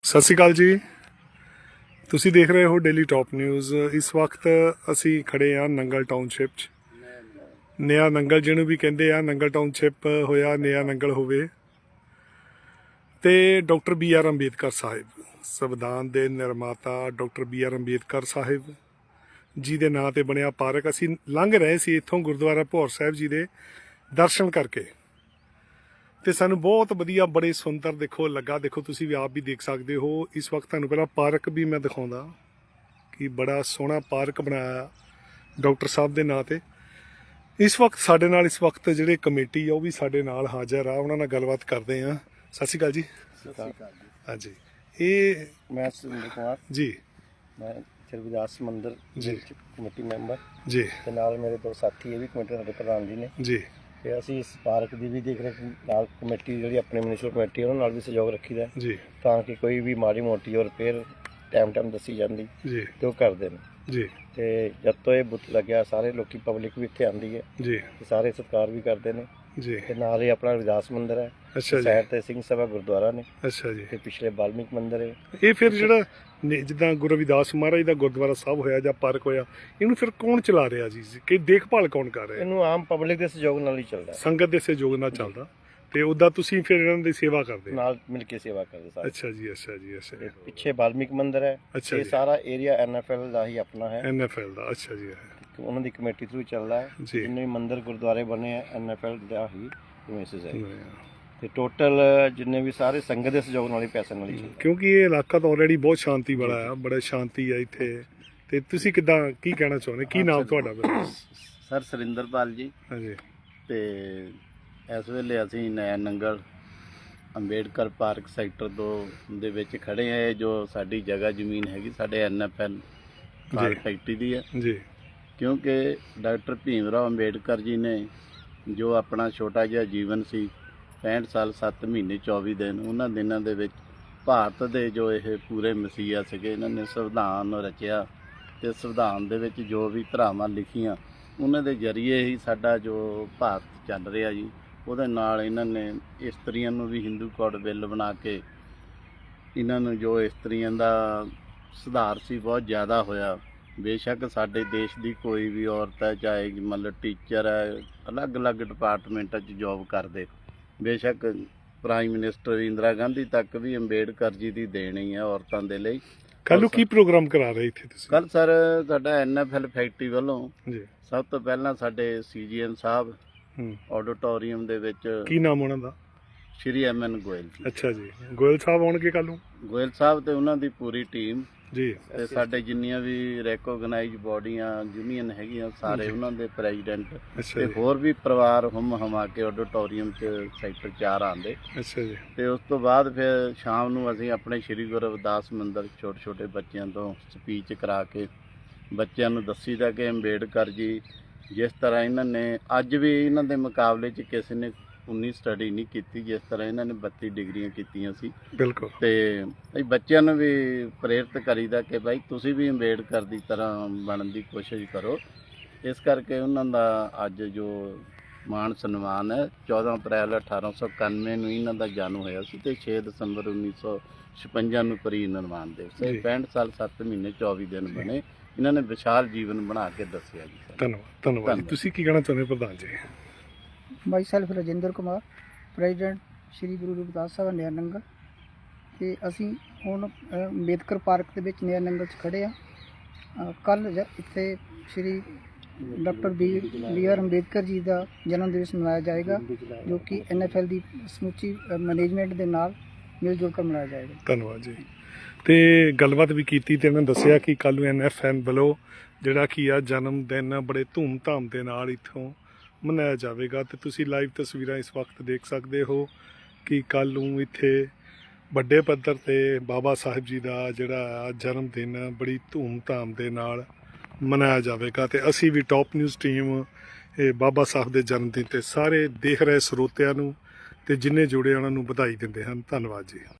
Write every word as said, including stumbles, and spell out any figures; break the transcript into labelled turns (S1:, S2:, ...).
S1: ਸਤਿ ਸ਼੍ਰੀ ਅਕਾਲ ਜੀ। ਤੁਸੀਂ ਦੇਖ ਰਹੇ ਹੋ ਡੇਲੀ ਟੌਪ ਨਿਊਜ਼। ਇਸ ਵਕਤ ਅਸੀਂ ਖੜੇ ਹਾਂ ਨੰਗਲ ਟਾਊਨਸ਼ਿਪ 'ਚ। ਨਿਆ ਨੰਗਲ ਜਿਹਨੂੰ ਵੀ ਕਹਿੰਦੇ ਆ, ਨੰਗਲ ਟਾਊਨਸ਼ਿਪ ਹੋਇਆ ਨਿਆ ਨੰਗਲ ਹੋਵੇ। ਤੇ doctor B R Ambedkar sahib, ਸੰਵਿਧਾਨ ਦੇ ਨਿਰਮਾਤਾ doctor B R Ambedkar sahib ji ਦੇ ਨਾਂ ਤੇ ਬਣਿਆ ਪਾਰਕ। ਅਸੀਂ ਲੰਘ ਰਹੇ ਸੀ ਇੱਥੋਂ ਗੁਰਦੁਆਰਾ ਭੌਰ ਸਾਹਿਬ ਜੀ ਦੇ ਦਰਸ਼ਨ ਕਰਕੇ, ਤੇ ਸਾਨੂੰ ਬਹੁਤ ਵਧੀਆ, ਬੜੇ ਸੁੰਦਰ ਦੇਖੋ ਲੱਗਾ। ਦੇਖੋ ਤੁਸੀਂ ਵੀ ਆਪ ਵੀ ਦੇਖ ਸਕਦੇ ਹੋ। ਇਸ ਵਕਤ ਤੁਹਾਨੂੰ ਪਹਿਲਾਂ ਪਾਰਕ ਵੀ ਮੈਂ ਦਿਖਾਉਂਦਾ ਕਿ ਬੜਾ ਸੋਹਣਾ ਪਾਰਕ ਬਣਾਇਆ ਡਾਕਟਰ ਸਾਹਿਬ ਦੇ ਨਾਂ ਤੇ। ਇਸ ਵਕਤ ਸਾਡੇ ਨਾਲ ਇਸ ਵਕਤ ਜਿਹੜੇ ਕਮੇਟੀ ਆ ਉਹ ਵੀ ਸਾਡੇ ਨਾਲ ਹਾਜ਼ਰ ਆ, ਉਹਨਾਂ ਨਾਲ ਗੱਲਬਾਤ ਕਰਦੇ ਆ। ਸਤਿ ਸ਼੍ਰੀ ਅਕਾਲ ਜੀ।
S2: ਸਤਿ ਸ਼੍ਰੀ ਅਕਾਲ ਜੀ।
S1: ਹਾਂਜੀ, ਇਹ
S2: ਮੈਂ ਸੁਰਿੰਦਰ ਕੁਮਾਰ
S1: ਜੀ,
S2: ਮੈਂ ਸ਼੍ਰੀ ਮੰਦਿਰ
S1: ਜੀ
S2: ਕਮੇਟੀ ਮੈਂਬਰ
S1: ਜੀ,
S2: ਤੇ ਨਾਲ ਮੇਰੇ ਦੋ ਸਾਥੀ ਇਹ ਵੀ ਕਮੇਟੀ ਸਾਡੇ ਪ੍ਰਧਾਨ ਜੀ ਨੇ
S1: ਜੀ।
S2: ਤੇ ਅਸੀਂ ਇਸ ਪਾਰਕ ਦੀ ਵੀ ਦੇਖ ਰਹੇ ਨਾਲ ਕਮੇਟੀ ਜਿਹੜੀ ਆਪਣੀ ਮਿਊਨਿਸਪਲ ਕਮੇਟੀ ਉਹਨਾਂ ਨਾਲ ਵੀ ਸਹਿਯੋਗ ਰੱਖੀਦਾ
S1: ਜੀ
S2: ਤਾਂ ਕਿ ਕੋਈ ਵੀ ਮਾੜੀ ਮੋਟੀ ਔਰ ਰਿਪੇਅਰ ਟਾਈਮ ਟਾਈਮ ਦੱਸੀ ਜਾਂਦੀ
S1: ਜੀ
S2: ਤੇ ਉਹ ਕਰਦੇ ਨੇ
S1: ਜੀ
S2: ਤੇ ਜਦ ਤੋਂ ਇਹ ਬੁੱਤ ਲੱਗਿਆ ਸਾਰੇ ਲੋਕੀ ਪਬਲਿਕ ਵੀ ਇੱਥੇ ਆਉਂਦੀ ਹੈ
S1: ਜੀ
S2: ਤੇ ਸਾਰੇ ਸਤਿਕਾਰ ਵੀ ਕਰਦੇ ਨੇ
S1: ਜੀ।
S2: ਤੇ ਨਾਲ ਹੀ ਆਪਣਾ ਰਵਿਦਾਸ ਮੰਦਿਰ ਹੈ,
S1: ਅੱਛਾ ਜੀ,
S2: ਸਾਈਡ ਤੇ ਸਿੰਘ ਸਭਾ ਗੁਰਦੁਆਰਾ ਨੇ,
S1: ਅੱਛਾ ਜੀ।
S2: ਤੇ ਪਿਛਲੇ ਬਾਲਮੀਕ ਮੰਦਿਰ ਹੈ।
S1: ਇਹ ਫਿਰ ਜਿਹੜਾ ਨੇ- ਜਿੱਦਾਂ ਗੁਰੂ ਰਵਿਦਾਸ ਮਹਾਰਾਜ ਦਾ ਗੁਰਦੁਆਰਾ ਸਾਹਿਬ ਹੋਇਆ ਜਾਂ ਪਾਰਕ ਹੋਇਆ, ਇਹਨੂੰ ਫਿਰ ਕੌਣ ਚਲਾ ਰਿਹਾ ਜੀ? ਕਿ ਦੇਖਭਾਲ ਕੌਣ ਕਰ ਰਿਹਾ?
S2: ਇਹਨੂੰ ਆਮ ਪਬਲਿਕ ਦੇ ਸਹਿਯੋਗ ਨਾਲ ਹੀ ਚੱਲਦਾ ਹੈ,
S1: ਸੰਗਤ ਦੇ ਸਹਿਯੋਗ ਨਾਲ ਚੱਲਦਾ। ਤੇ ਉੱਦਾਂ ਤੁਸੀਂ ਫਿਰ ਇਹਨਾਂ ਦੀ ਸੇਵਾ ਕਰਦੇ?
S2: ਨਾਲ ਮਿਲ ਕੇ ਸੇਵਾ ਕਰਦੇ ਸਾਰੇ।
S1: ਅੱਛਾ ਜੀ, ਅੱਛਾ ਜੀ, ਅੱਛਾ
S2: ਤੇ ਪਿੱਛੇ ਬਾਲਮੀਕ ਮੰਦਿਰ ਹੈ,
S1: ਅੱਛਾ
S2: ਇਹ
S1: ਜੀ।
S2: ਸਾਰਾ ਏਰੀਆ ਐਨ ਐਫ ਐਲ ਦਾ ਹੀ ਆਪਣਾ ਹੈ,
S1: ਐਨ ਐਫ ਐਲ ਦਾ। ਅੱਛਾ ਜੀ,
S2: ਉਹਨਾਂ ਦੀ ਕਮੇਟੀ ਥਰੂ ਚੱਲਦਾ ਹੈ।
S1: ਜੀ।
S2: ਜਿੰਨੇ ਵੀ ਮੰਦਿਰ ਗੁਰਦੁਆਰੇ ਬਣੇ ਆ ਐਨ ਐਫ ਐਲ ਦਾ ਹੀ ਮੈਸੇਜ ਹੈ।
S1: ਹਾਂ।
S2: ਤੇ ਟੋਟਲ ਜਿੰਨੇ ਵੀ ਸਾਰੇ ਸੰਗਤ ਦੇ ਸਹਿਯੋਗ ਨਾਲ ਹੀ ਪੈਸੇ ਨਾਲ ਹੀ ਚੱਲਦਾ।
S1: ਕਿਉਂਕਿ ਇਹ ਇਲਾਕਾ ਤਾਂ ਆਲਰੇਡੀ ਬਹੁਤ ਸ਼ਾਂਤੀ ਵਾਲਾ ਆ, ਬੜਾ ਸ਼ਾਂਤੀ ਆ ਇੱਥੇ। ਤੇ ਤੁਸੀਂ ਕਿੱਦਾਂ ਕੀ ਕਹਿਣਾ ਚਾਹੁੰਦੇ? ਕੀ ਨਾਮ ਤੁਹਾਡਾ?
S3: ਸਰ ਸੁਰਿੰਦਰਪਾਲ ਜੀ।
S1: ਹਾਂਜੀ।
S3: ਤੇ ਇਸ ਵੇਲੇ ਅਸੀਂ ਨਇਆ ਨੰਗਲ ਅੰਬੇਡਕਰ ਪਾਰਕ ਸੈਕਟਰ ਦੋ ਦੇ ਵਿੱਚ ਖੜੇ ਆ। ਜੋ ਸਾਡੀ ਜਗ੍ਹਾ ਜ਼ਮੀਨ ਹੈਗੀ ਸਾਡੇ ਐਨ ਐਫ ਐਲ ਕਾਰ ਫੈਕਟਰੀ ਦੀ ਹੈ
S1: ਜੀ।
S3: ਕਿਉਂਕਿ ਡਾਕਟਰ ਭੀਮ ਰਾਓ ਅੰਬੇਡਕਰ ਜੀ ਨੇ ਜੋ ਆਪਣਾ ਛੋਟਾ ਜਿਹਾ ਜੀਵਨ ਸੀ, ਪੈਂਹਠ ਸਾਲ ਸੱਤ ਮਹੀਨੇ ਚੌਵੀ ਦਿਨ, ਉਹਨਾਂ ਦਿਨਾਂ ਦੇ ਵਿੱਚ ਭਾਰਤ ਦੇ ਜੋ ਇਹ ਪੂਰੇ ਮਸੀਹਾ ਸੀਗੇ, ਇਹਨਾਂ ਨੇ ਸੰਵਿਧਾਨ ਰਚਿਆ ਤੇ ਸੰਵਿਧਾਨ ਦੇ ਵਿੱਚ ਜੋ ਵੀ ਧਾਰਾਵਾਂ ਲਿਖੀਆਂ ਉਹਨਾਂ ਦੇ ਜ਼ਰੀਏ ਹੀ ਸਾਡਾ ਜੋ ਭਾਰਤ ਚੱਲ ਰਿਹਾ ਜੀ। ਉਹਦੇ ਨਾਲ ਇਹਨਾਂ ਨੇ ਇਸਤਰੀਆਂ ਨੂੰ ਵੀ ਹਿੰਦੂ ਕੋਡ ਬਿੱਲ ਬਣਾ ਕੇ ਇਹਨਾਂ ਨੂੰ ਜੋ ਇਸਤਰੀਆਂ ਦਾ ਸੁਧਾਰ ਸੀ ਬਹੁਤ ਜ਼ਿਆਦਾ ਹੋਇਆ। ਬੇਸ਼ੱਕ ਸਾਡੇ ਦੇਸ਼ ਦੀ ਕੋਈ ਵੀ ਔਰਤ ਹੈ, ਚਾਹੇ ਮਤਲਬ ਟੀਚਰ ਹੈ, ਅਲੱਗ-ਅਲੱਗ ਡਿਪਾਰਟਮੈਂਟਾਂ 'ਚ ਜੋਬ ਕਰਦੇ, ਬੇਸ਼ੱਕ ਪ੍ਰਾਈਮ ਮਿਨਿਸਟਰ ਇੰਦਰਾ ਗਾਂਧੀ ਤੱਕ ਵੀ ਅੰਬੇਡਕਰ ਜੀ ਦੀ ਦੇਣ ਹੀ ਹੈ ਔਰਤਾਂ ਦੇ ਲਈ।
S1: ਕੱਲ੍ਹ ਨੂੰ ਕੀ ਪ੍ਰੋਗਰਾਮ ਕਰਾ ਰਹੇ ਇੱਥੇ ਤੁਸੀਂ?
S3: ਕੱਲ੍ਹ ਸਰ ਸਾਡਾ ਐਨ ਐਫ ਐਲ ਫੈਕਟਰੀ ਵੱਲੋਂ
S1: ਜੀ
S3: ਸਭ ਤੋਂ ਪਹਿਲਾਂ ਸਾਡੇ ਸੀ ਜੀ ਐਮ ਸਾਹਿਬ
S1: ਹੂੰ,
S3: ਆਡੀਟੋਰੀਅਮ ਦੇ ਵਿੱਚ
S1: ਕੀ ਨਾਮ ਉਹਨਾਂ ਦਾ?
S3: ਸ਼੍ਰੀ ਐਮ ਐਨ ਗੋਇਲ ਜੀ।
S1: ਅੱਛਾ ਜੀ, ਗੋਇਲ ਸਾਹਿਬ ਆਉਣਗੇ ਕੱਲ੍ਹ ਨੂੰ?
S3: ਗੋਇਲ ਸਾਹਿਬ ਤੇ ਉਹਨਾਂ ਦੀ ਪੂਰੀ ਟੀਮ
S1: ਜੀ।
S3: ਤੇ ਸਾਡੇ ਜਿੰਨੀਆਂ ਵੀ ਰੈਕੋਗਨਾਈਜ਼ ਬੋਡੀਆਂ ਯੂਨੀਅਨ ਹੈਗੀਆਂ ਸਾਰੇ ਉਹਨਾਂ ਦੇ ਪ੍ਰੈਜ਼ੀਡੈਂਟ
S1: ਅੱਛਾ
S3: ਤੇ
S1: ਜੀ,
S3: ਹੋਰ ਵੀ ਪਰਿਵਾਰ ਹੁਮ ਹਮਾ ਕੇ ਆਡੀਟੋਰੀਅਮ 'ਚ ਸੈਕਟਰ ਚਾਰ ਆਉਂਦੇ।
S1: ਅੱਛਾ ਜੀ,
S3: ਤੇ ਉਸ ਤੋਂ ਬਾਅਦ ਫਿਰ ਸ਼ਾਮ ਨੂੰ ਅਸੀਂ ਆਪਣੇ ਸ਼੍ਰੀ ਗੁਰੂ ਰਵਿਦਾਸ ਮੰਦਿਰ ਛੋਟੇ ਛੋਟੇ ਬੱਚਿਆਂ ਤੋਂ ਸਪੀਚ ਕਰਾ ਕੇ ਬੱਚਿਆਂ ਨੂੰ ਦੱਸੀਦਾ ਕਿ ਅੰਬੇਡਕਰ ਜੀ ਜਿਸ ਤਰ੍ਹਾਂ ਇਹਨਾਂ ਨੇ ਅੱਜ ਵੀ ਇਹਨਾਂ ਦੇ ਮੁਕਾਬਲੇ 'ਚ ਕਿਸੇ ਨੇ ਉਨੀ ਸਟੱਡੀ ਨਹੀਂ ਕੀਤੀ ਜਿਸ ਤਰ੍ਹਾਂ ਇਹਨਾਂ ਨੇ ਬੱਤੀ ਡਿਗਰੀਆਂ ਕੀਤੀਆਂ ਸੀ।
S1: ਬਿਲਕੁਲ।
S3: ਤੇ ਅਸੀਂ ਬੱਚਿਆਂ ਨੂੰ ਵੀ ਪ੍ਰੇਰਿਤ ਕਰੀਦਾ ਕਿ ਭਾਈ ਤੁਸੀਂ ਵੀ ਅੰਬੇਡਕਰ ਦੀ ਤਰ੍ਹਾਂ ਬਣਨ ਦੀ ਕੋਸ਼ਿਸ਼ ਕਰੋ। ਇਸ ਕਰਕੇ ਉਹਨਾਂ ਦਾ ਅੱਜ ਜੋ ਮਾਣ ਸਨਮਾਨ ਹੈ, ਚੌਦਾਂ ਅਪ੍ਰੈਲ ਅਠਾਰਾਂ ਸੌ ਇਕਾਨਵੇਂ ਨੂੰ ਇਹਨਾਂ ਦਾ ਜਨਮ ਹੋਇਆ ਸੀ ਤੇ ਛੇ ਦਸੰਬਰ ਉੱਨੀ ਸੌ ਛਪੰਜਾ ਨੂੰ ਪਰੀ ਨਿਰਮਾਣ ਦਿਵਸ ਹੈ। ਪੈਂਹਠ ਸਾਲ ਸੱਤ ਮਹੀਨੇ ਚੌਵੀ ਦਿਨ ਬਣੇ। ਇਹਨਾਂ ਨੇ ਵਿਸ਼ਾਲ ਜੀਵਨ ਬਣਾ ਕੇ ਦੱਸਿਆ ਜੀ।
S1: ਧੰਨਵਾਦ। ਧੰਨਵਾਦ ਜੀ। ਤੁਸੀਂ ਕੀ ਕਹਿਣਾ ਚਾਹੁੰਦੇ ਪ੍ਰਧਾਨ ਜੀ?
S4: Myself Rajinder Kumar, president Shri Guru Ravidas Sahib Naya Nangal. ਤੇ ਅਸੀਂ ਹੁਣ ਅ, ਅੰਬੇਦਕਰ ਪਾਰਕ ਦੇ ਵਿੱਚ ਨਿਆ ਨੰਗਲ 'ਚ ਖੜੇ ਆ। ਕੱਲ੍ਹ ਇੱਥੇ Shri doctor B B R Ambedkar ji ਦਾ ਜਨਮ ਦਿਵਸ ਮਨਾਇਆ ਜਾਏਗਾ, ਜੋ ਕਿ ਐਨ ਐਫ ਐਲ ਦੀ ਸਮੁੱਚੀ ਮੈਨੇਜਮੈਂਟ ਦੇ ਨਾਲ ਮਿਲ ਜੁਲ ਕੇ ਮਨਾਇਆ ਜਾਏਗਾ।
S1: ਧੰਨਵਾਦ ਜੀ। ਤੇ ਗੱਲਬਾਤ ਵੀ ਕੀਤੀ ਤੇ ਇਹਨਾਂ ਦੱਸਿਆ ਕਿ ਕੱਲ੍ਹ ਨੂੰ ਐਨ ਐਫ ਐਨ ਵੱਲੋਂ ਜਿਹੜਾ ਕੀ ਆ ਜਨਮ ਦਿਨ ਬੜੇ ਧੂਮ-ਧਾਮ ਦੇ ਨਾਲ ਇੱਥੋਂ ਮਨਾਇਆ ਜਾਵੇਗਾ। ਤੇ ਤੁਸੀਂ ਲਾਈਵ ਤਸਵੀਰਾਂ ਇਸ ਵਕਤ ਦੇਖ ਸਕਦੇ ਹੋ ਕਿ ਕੱਲ੍ਹ ਨੂੰ ਇੱਥੇ ਵੱਡੇ ਪੱਧਰ ਤੇ ਬਾਬਾ ਸਾਹਿਬ ਜੀ ਦਾ ਜਿਹੜਾ ਆ ਜਨਮ ਦਿਨ ਬੜੀ ਧੂਮ-ਧਾਮ ਦੇ ਨਾਲ ਮਨਾਇਆ ਜਾਵੇਗਾ। ਤੇ ਅਸੀਂ ਵੀ ਟੌਪ ਨਿਊਜ਼ ਟੀਮ ਇਹ ਬਾਬਾ ਸਾਹਿਬ ਦੇ ਜਨਮ ਦਿਨ ਤੇ ਸਾਰੇ ਦੇਖ ਰਹੇ ਸਰੋਤਿਆਂ ਨੂੰ ਤੇ ਜਿੰਨੇ ਜੁੜੇ ਉਹਨਾਂ ਨੂੰ ਵਧਾਈ ਦਿੰਦੇ ਹਨ। ਧੰਨਵਾਦ ਜੀ।